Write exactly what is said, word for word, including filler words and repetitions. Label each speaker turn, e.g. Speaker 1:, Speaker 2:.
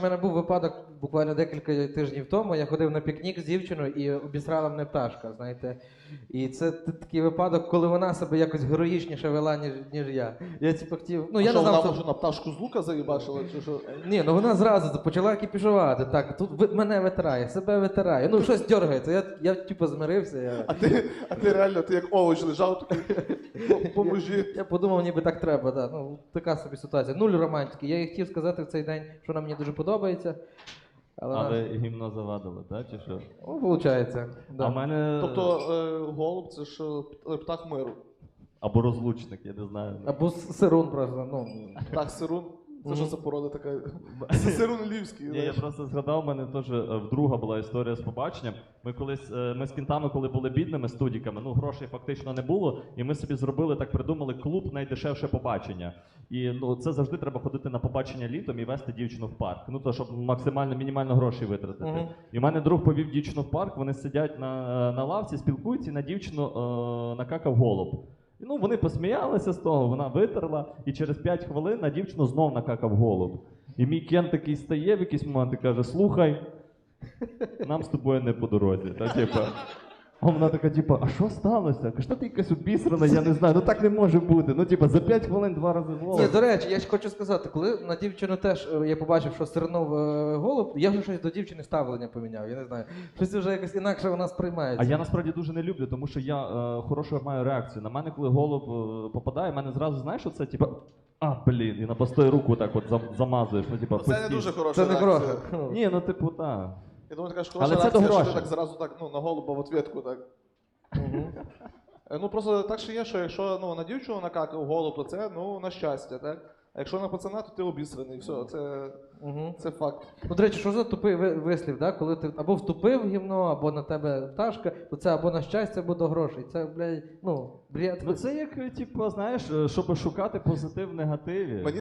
Speaker 1: У мене був випадок буквально декілька тижнів тому. Я ходив на пікнік з дівчиною і обісрала мене пташка, знаєте. І це такий випадок, коли вона себе якось героїчніше вела, ніж, ніж я. Я типу хотів. Ну,
Speaker 2: А
Speaker 1: я
Speaker 2: що,
Speaker 1: не знав,
Speaker 2: вона
Speaker 1: що...
Speaker 2: може на пташку з лука заїбашила, чи що?
Speaker 1: Ні, ну вона зразу почала кіпішувати. Так, тут ви- мене витирає, себе витирає. Ну, щось дергається. Я, я типу, змирився. Я...
Speaker 2: А ти, а ти реально, ти як овоч лежав, такий, «По- поможи.
Speaker 1: Я подумав, ніби так треба, да. Ну, така собі ситуація. Нуль романтики. Я їй хотів сказати в цей день, що вона мені дуже подобається. Але,
Speaker 3: А
Speaker 1: вона...
Speaker 3: ви гімно завадили, так? Чи що?
Speaker 1: Ну, виходить. Да.
Speaker 3: А в мене.
Speaker 2: Тобто е, голуб це ж е, птах миру.
Speaker 3: Або розлучник, я не знаю.
Speaker 1: Або с- сирун просто, ну.
Speaker 2: Птах сирун. Це
Speaker 1: Мгм.
Speaker 2: що за порода така? Це сирун львівський.
Speaker 3: Ні, я
Speaker 2: знаєш.
Speaker 3: просто згадав, у мене теж е, вдруга була історія з побаченням. Ми колись, е, ми з кінтами, коли були бідними студіками, ну грошей фактично не було, і ми собі зробили, так придумали, клуб найдешевше побачення. І ну це завжди треба ходити на побачення літом і вести дівчину в парк. Ну то, щоб максимально мінімально грошей витратити.
Speaker 1: Мгм.
Speaker 3: І в мене друг повів дівчину в парк, вони сидять на, на лавці, спілкуються, і на дівчину е, накакав голуб. І, ну, вони посміялися з того, вона витерла, і через п'ять хвилин на дівчину знов накакав голуб. І мій Кен такий стає в якийсь момент і каже: слухай, нам з тобою не по дорозі. Та, типа. А вона така, типа, а що сталося? Каже, та ти якась обісрана, я не знаю, ну так не може бути. Ну, типа, за п'ять хвилин два рази голуб.
Speaker 1: Ні, до речі, я ж хочу сказати, коли на дівчину теж е, я побачив, що сирнув е, голуб, я вже щось до дівчини ставлення поміняв, я не знаю. Щось вже якось інакше вона сприймається.
Speaker 3: А я насправді дуже не люблю, тому що я е, хорошу маю реакцію. На мене, коли голуб е, попадає, в мене зразу, знаєш, оце, типа, а, блін, і на постої руку так от зам- замазуєш, ну, типа,
Speaker 2: Ну, Це не
Speaker 3: постійно.
Speaker 2: дуже хороша
Speaker 1: Це не
Speaker 2: реакція.
Speaker 1: гроші.
Speaker 3: Ні, ну, типу, так.
Speaker 2: Я думаю, така ж
Speaker 3: Але
Speaker 2: хороша
Speaker 3: це до
Speaker 2: реакція, що ти
Speaker 3: грошей.
Speaker 2: так зразу так, ну, на голуба в ответку так.
Speaker 1: Мгм.
Speaker 2: Е, Ну просто так ще є, що якщо ну, на дівчину накакав голуб, то це ну, на щастя, так? А якщо на пацана, то ти обісраний, все, це,
Speaker 1: Мгм.
Speaker 2: це факт.
Speaker 1: Ну, до речі, що за тупий ви- вислів, да? Коли ти або втупив в гімно, або на тебе пташка, то це або на щастя, або до грошей. Це, блядь, ну, бред.
Speaker 3: Ну це як, типу, знаєш, щоб шукати позитив в негативі.
Speaker 2: Мені